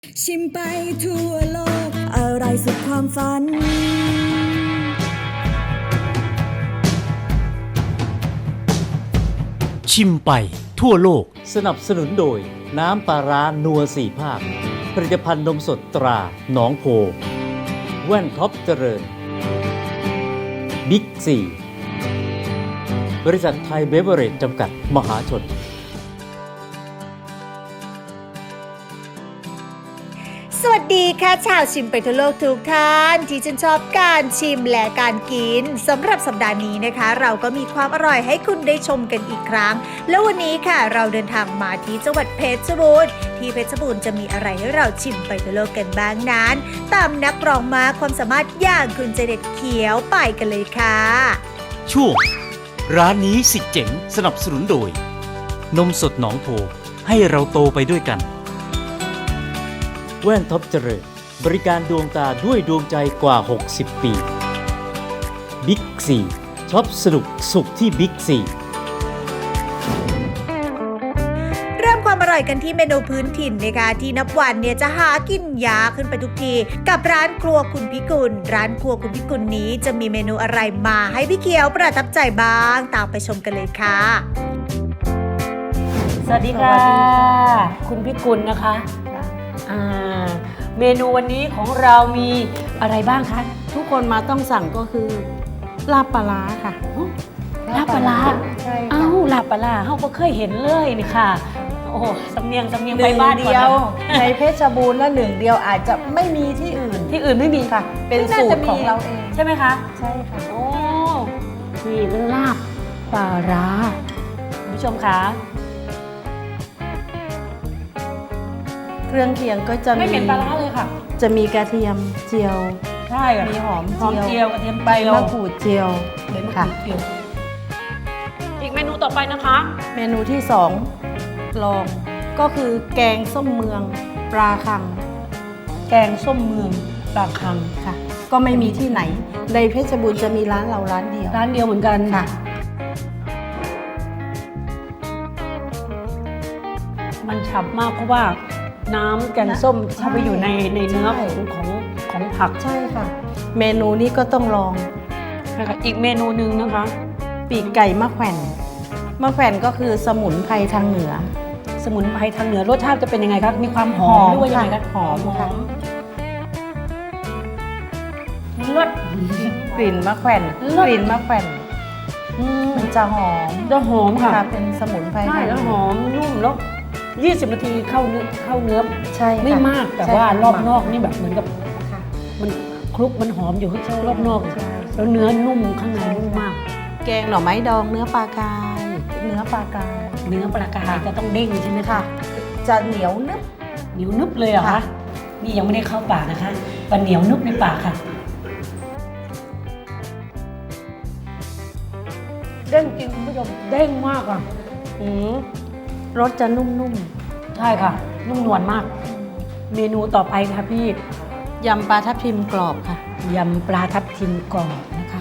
ชิมไปทั่วโลกอร่อยสุดความฝันชิมไปทั่วโลกสนับสนุนโดยน้ำปลาร้านัว4 ภาคผลิตภัณฑ์นมสดตราหนองโพแว่นท็อปเจริญบิ๊กซีบริษัทไทยเบเวอเรจจำกัดมหาชนสวัสดีค่ะชาวชิมไปทั่วโลกทุกท่านที่ชื่นชอบการชิมและการกินสำหรับสัปดาห์นี้นะคะ เราก็มีความอร่อยให้คุณได้ชมกันอีกครั้งแล้ววันนี้ค่ะเราเดินทางมาที่จังหวัดเพชรบูรณ์ที่เพชรบูรณ์จะมีอะไรให้เราชิมไปทั่วโลกกันบ้างนั้นตามนักร้องมาความสามารถอย่างคุณเจเด็ดเขียวไปกันเลยค่ะช่วงร้านนี้สิเจ๋งสนับสนุนโดยนมสดหนองโพให้เราโตไปด้วยกันแว่นท็อปเจริญบริการดวงตาด้วยดวงใจกว่า60 ปีบิ๊กซีช็อปสนุกสุขที่บิ๊กซีเริ่มความอร่อยกันที่เมนูพื้นถิ่นนะคะที่นับวันเนี่ยจะหากินยากขึ้นไปทุกทีกับร้านครัวคุณพิกุลร้านครัวคุณพิกุลนี้จะมีเมนูอะไรมาให้พี่เขียวประทับใจบ้างตามไปชมกันเลยค่ะสวัสดีค่ะคุณพิกุลนะคะเมนูวันนี้ของเรามีอะไรบ้างคะทุกคนมาต้องสั่งก็คือลาบปลาร้าค่ะลาบปลาร้าใช่ค่ะอ้าวลาบปลาร้าเขาก็เคยเห็นเลยนี่ค่ะโอ้โหสำเนียงหไปนึ่งบ้านก่อนเดียวนะในเพชรบูรณ์และหนึ่งเดียวอาจจะไม่มีที่อื่นที่อื่นไม่มีค่ะ เป็นสูตรของเราเองใช่ไหมคะใช่ค่ะโอ้นี่ลาบปลาร้าคุณผู้ชมคะเครื่องเคียงก็จะไม่เห็นปลาร้าเลยค่ะจะมีกระเทียมเจียวใช่ค่ะมีหอมเจียวกระเทียมใบมะกรูดเจียวใบมะกค่ะรูดเจียวอีกเมนูต่อไปนะคะเมนูที่สองลองก็คือแกงส้มเมืองปลาคังแกงส้มเมืองปลาคังค่ะ ก็ไม่มีที่ไหน ในเพชรบูรณ์จะมีร้านเราร้านเดียวร้านเดียวเหมือนกันค่ะมันฉ่ำมากเพราะว่าน้ำแกงส้มเข้าไปอยู่ในเนื้อใช่ของผักใช่ค่ะ เมนูนี้ก็ต้องลองนะคะอีกเมนูหนึ่งนะคะปีกไก่มะแขวนมะแขวนก็คือสมุนไพรทางเหนือสมุนไพรทางเหนือรสชาติจะเป็นยังไงครับมีความหอมด้วยยังไงครับหอมค่ะรสกลิ่นมะแขวนเลิศกลิ่นมะแขวนมันจะหอมจะหอมค่ะเป็นสมุนไพรใช่ทางแล้วหอมนุ่มแล้ว20 นาทีเข้าเนื้อใช่ค่ะไม่มากแต่ใช่ว่าค่ะรอบนอกนี่แบบเหมือนกับค่ะมันคลุกมันหอมอยู่ข้างรอบนอกใช่แล้วเนื้อนุ่มข้างในใช่นุ่มมากแกงหน่อไม้ดองเนื้อปลากายเนื้อปลากายเนื้อปลากายจะต้องเด้งใช่ไหมคะค่ะ จะเหนียวนึบเหนียวนึบเลยเหรอคะค่ะนี่ยังไม่ได้เข้าปากนะคะมันเหนียวนึบในปากค่ะ เด้งจริงคุณผู้ชมเด้งมากอ่ะรสจะนุ่มใช่ค่ะ นุ่มนวลมาก เมนูต่อไปค่ะพี่ๆยำปลาทับทิมกรอบค่ะยำปลาทับทิมกรอบนะคะ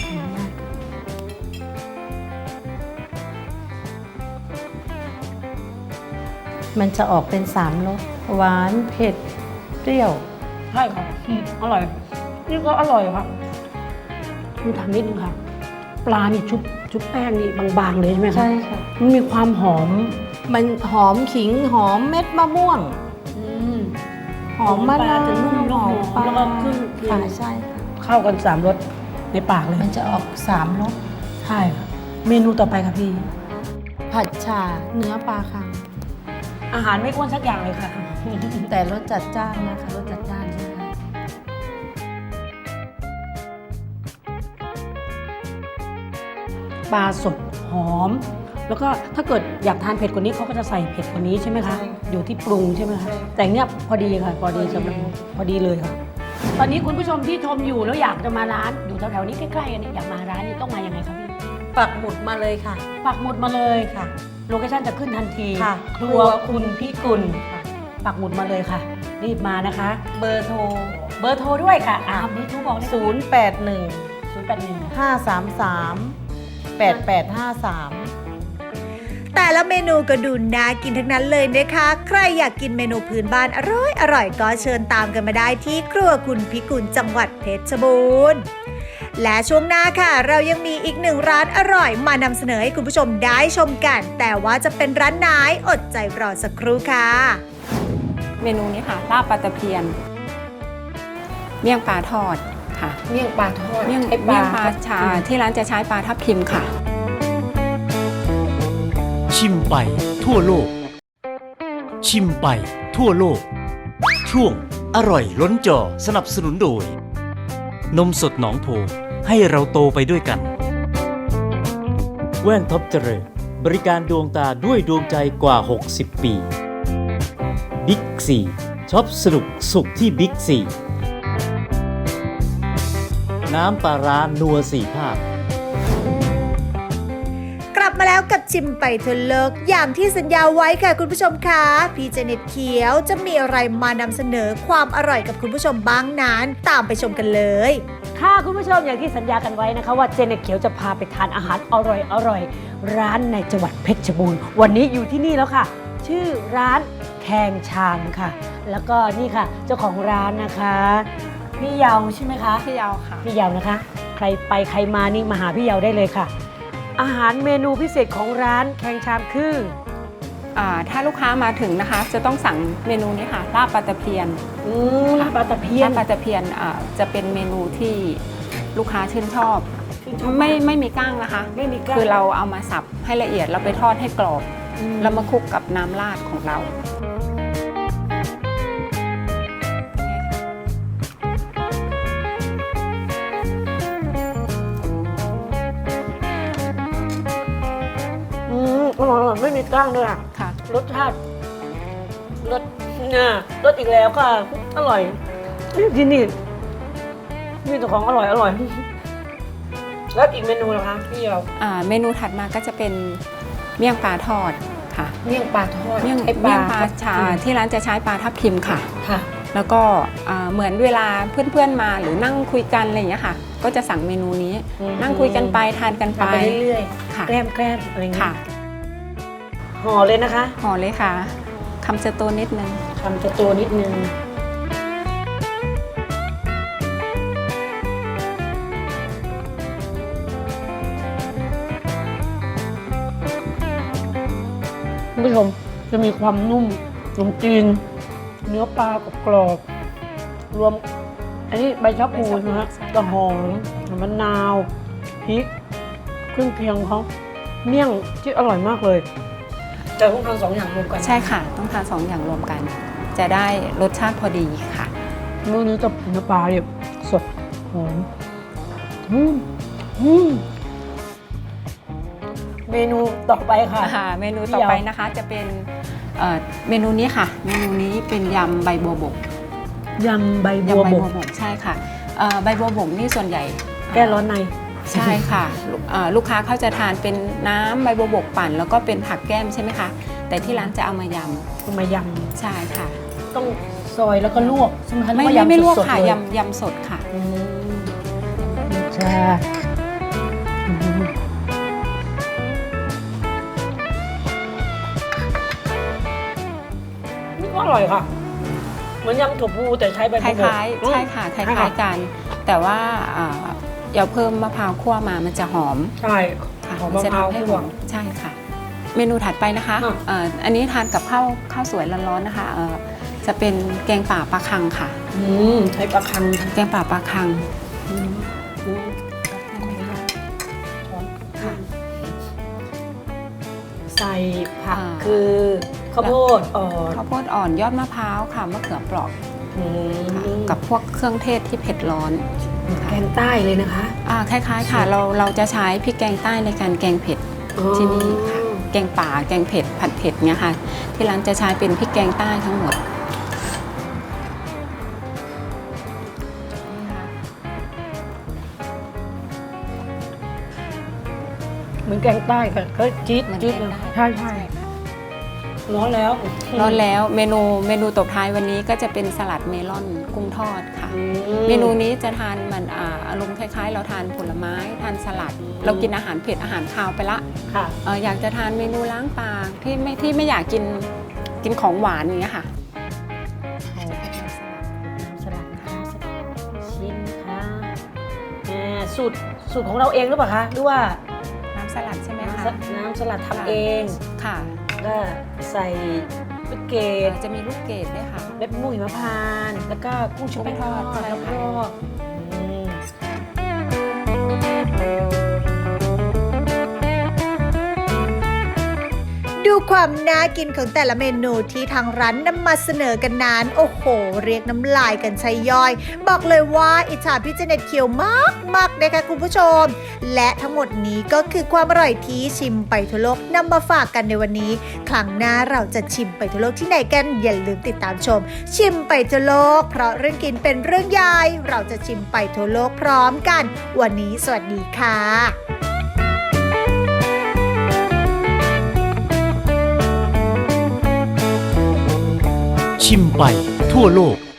มันจะออกเป็น3รสหวานเผ็ดเปรี้ยวใช่ค่ะอร่อย นี่ก็อร่อยค่ะดูทำนิดนึงค่ะ ปลานี่ชุบแป้งนี่บางๆเลยใช่ไหมคะใช่ค่ะมันมีความหอมมันหอมขิงหอมเม็ดมะม่วง หอมมะปลานาวจะนุ่มหอมปลาแล้วก็ขึ้นค่ะใช่ค่ะเข้ากัน3รสในปากเลยมันจะออก3รสใช่ค่ะ เมนูต่อไปค่ะพี่ผัดฉ่าเนื้อปลาคังอาหารไม่อ้วนสักอย่างเลยค่ะแต่รสจัดจ้านนะคะรสจัดจ้านใช่ไหมคะปลาสดหอม แล้วก็ถ้าเกิดอยากทานเผ็ดกว่านี้เขาก็จะใส่เผ็ดกว่านี้ใช่ไหมคะ อยู่ที่ปรุงใช่ไหมคะ แต่เนี้ยพอดีค่ะพอดีสำหรับพอดีเลยค่ะ ตอนนี้คุณผู้ชมที่ชมอยู่แล้วอยากจะมาร้านอยู่แถวๆนี้ใกล้ๆกันเนี่ยอยากมาร้านนี้ต้องมายังไงครับพี่ปักหมุดมาเลยค่ะปักหมุดมาเลยค่ะโลเคชั่นจะขึ้นทันทีค่ะครัวคุณพิกุลค่ะปักหมุดมาเลยค่ะ รีบมานะคะเบอร์โทรเบอร์โทรด้วยค่ะเบอร์โทรบอกเลย 081 081 533 8853 แต่ละเมนูก็ดูน่ากินทั้งนั้นเลยนะคะ ใครอยากกินเมนูพื้นบ้านอร่อยก็เชิญตามกันมาได้ที่ครัวคุณพิกุลจังหวัดเพชรบูรณ์และช่วงหน้าค่ะเรายังมีอีกหนึ่งร้านอร่อยมานำเสนอให้คุณผู้ชมได้ชมกัน แต่ว่าจะเป็นร้านไหนอดใจรอสักครู่ค่ะเมนูนี้ค่ะลาบปลาตะเพียน เมี่ยงปลาทอดค่ะเมี่ยงปลาทอดเมี่ยงปลาชาที่ร้านจะใช้ปลาทับทิมค่ะชิมไปทั่วโลก ชิมไปทั่วโลก ช่วงอร่อยล้นจอสนับสนุนโดย นมสดหนองโพให้เราโตไปด้วยกันแว่นท็อปเจริญบริการดวงตาด้วยดวงใจกว่า 60 ปีบิ๊กซีช็อปสนุกสุขที่บิ๊กซีน้ำปลาร้านัวสี่ภาคกลับมาแล้วกับชิมไปทั่วโลกอย่างที่สัญญาไว้ค่ะคุณผู้ชมคะพี่เจเน็ตเขียวจะมีอะไรมานำเสนอความอร่อยกับคุณผู้ชมบ้างนั้นตามไปชมกันเลยค่ะคุณผู้ชมอย่างที่สัญญากันไว้นะคะว่าเจเน็ตเขียวจะพาไปทานอาหารอร่อยร้านในจังหวัดเพชรบูรณ์วันนี้อยู่ที่นี่แล้วค่ะ ชื่อร้านแคงชามค่ะ แล้วก็นี่ค่ะเจ้าของร้านนะคะพี่เยาใช่ไหมคะพี่ยาวค่ะพี่เยานะคะ ใครไปใครมานี่มาหาพี่เยาได้เลยค่ะ อาหารเมนูพิเศษของร้านแคงชามคือถ้าลูกค้ามาถึงนะคะ จะต้องสั่งเมนูนี้ค่ะลาบปลาตะเพียนลาบปลาตะเพียนลาบปลาตะเพียนจะเป็นเมนูที่ลูกค้าชื่นชอบ ไม่มีก้างนะคะไม่มีกล้างคือเราเอามาสับให้ละเอียดเราไปทอดให้กรอบแล้วมาคลุกกับน้ำราดของเราอร่อยไม่มีกล้างด้วยอ่ะค่ะรสชาติรสรสอีกแล้วค่ะอร่อยที่นี่มีแต่ของอร่อยแล้วอีกเมนูเหรอคะพี่เราเมนูถัดมาก็จะเป็นเมี่ยงปลาทอดค่ะเมี่ยงปลาทอดเมี่ยงปลาชาที่ร้านจะใช้ปลาทับทิมค่ะค่ะแล้วก็เหมือนเวลาเพื่อนๆมาหรือนั่งคุยกันอะไรอย่างเงี้ยค่ะ ก็จะสั่งเมนูนี้ นั่งคุยกันไปทานกันไปทำไปเรื่อยค่ะๆแกล้มอะไรอย่างเงี้ค่ะยห่อเลยนะคะห่อเลยค่ะคำจะโตนิดนึงทำจะตัวนิดนึงคุณผู้ชมจะมีความนุ่มขนมจีนเนื้อปลากรอบๆรวมอันนี้ใบชะพูใช่ไหมฮะกระหอมมะนาวพริกเครื่องเคียงของเขาเมี่ยงที่อร่อยมากเลยแต่ต้องทานสองอย่างรวมกันใช่ค่ะ ต้องทาน2 อย่างรวมกัน จะได้รสชาติพอดีค่ะมื้อนี้จะเนื้อปลาเนี่ยสดหอมเมนูต่อไปค่ะเมนูต่อไปนะคะจะเป็นเมนูนี้ค่ะ เมนูนี้เป็นยำใบบัวบกยำใบบัยำวใบบ บักวบกใช่ค่ะใบบัวบกนี่ส่วนใหญ่แก้ร้อนในใช่ค่ะลูกค้าเขาจะทานเป็นน้ำใบบัวบกปั่น แล้วก็เป็นผักแก้มใช่ไหมคะแต่ที่ร้านจะเอามายเอามายำใช่ค่ะำต้องซอยแล้วก็ลวกใช่ไหมคะไม่หรือว่าไม่ลวกสดๆค่ะเลยยำสดค่ะใช่นี่ก็อร่อยค่ะ เหมือนยำถั่วพูแต่ใช้ใบคบัวบกล้ายๆใช่ค่ะคล้ายๆกัน แต่ว่าอย่าเพิ่มมะพร้าวคั่วมามันจะหอมใช่ค่ะหอมมะจะพร้าวทำให้คั่หวอมใช่ค่ะ เมนูถัดไปนะคะอ่ะอันนี้ทานกับข้าวสวยร้อนๆนะคะจะเป็นแกงป่าปลาคังค่ะใช้ปลาคังแกงป่าปลาคังใส่ผักอ่าคือข้าวโพดอ่อนข้าวโพดอ่อนยอดมะพร้าวค่ะมะเขือเปราะ ค่ะกับพวกเครื่องเทศที่เผ็ดร้อนค่ะแกงใต้เลยนะคะคล้ายๆค่ะเราจะใช้พริกแกงใต้ในการแกงเผ็ดที่นี่ค่ะแกงป่าแกงเผ็ดผัดเผ็ดเนี่ยค่ะที่ร้านจะใช้เป็นพริกแกงใต้ทั้งหมดนี่ค่ะเหมือนแกงใต้ค่ะก็จี๊ดเหมือนจี๊ดแกงเลยใต้ใช่ค่ะร้อนแล้วร้อนแล้วเมนูตบท้ายวันนี้ก็จะเป็นสลัดเมลอนกุ้งทอดค่ะ เมนูนี้จะทานมันอารมณ์คล้ายๆ เราทานผลไม้ทานสลัด เรากินอาหารเผ็ดอาหารคาวไปละค่ะอยากจะทานเมนูล้างปากที่ไม่อยากกินของหวานอย่างเงี้ยค่ะสลัดนะคะชิมค่ะสูตรของเราเองหรือเปล่าคะหรือว่าน้ำสลัดใช่ไหมคะน้ำสลัดทำเองค่ะก็ใส่ลูกเกดจะมีลูกเกดด้วยค่ะเม็ดมะม่วงหิมพานต์แล้วก็กุ้งชุบแป้งทอดใช่แล้วค่ะก็อืมดูความน่ากินของแต่ละเมนูที่ทางร้านนำมาเสนอกันนั้นโอ้โห เรียกน้ำลายกันใช่ย่อย บอกเลยว่าอิจฉาพี่เจเน็ตเคียวมากๆนะคะคุณผู้ชม และทั้งหมดนี้ก็คือความอร่อยที่ชิมไปทั่วโลกนำมาฝากกันในวันนี้ ครั้งหน้าเราจะชิมไปทั่วโลกที่ไหนกันอย่าลืมติดตามชม ชิมไปทั่วโลก เพราะเรื่องกินเป็นเรื่องใหญ่เราจะชิมไปทั่วโลกพร้อมกัน วันนี้สวัสดีค่ะชิมไปทั่วโลก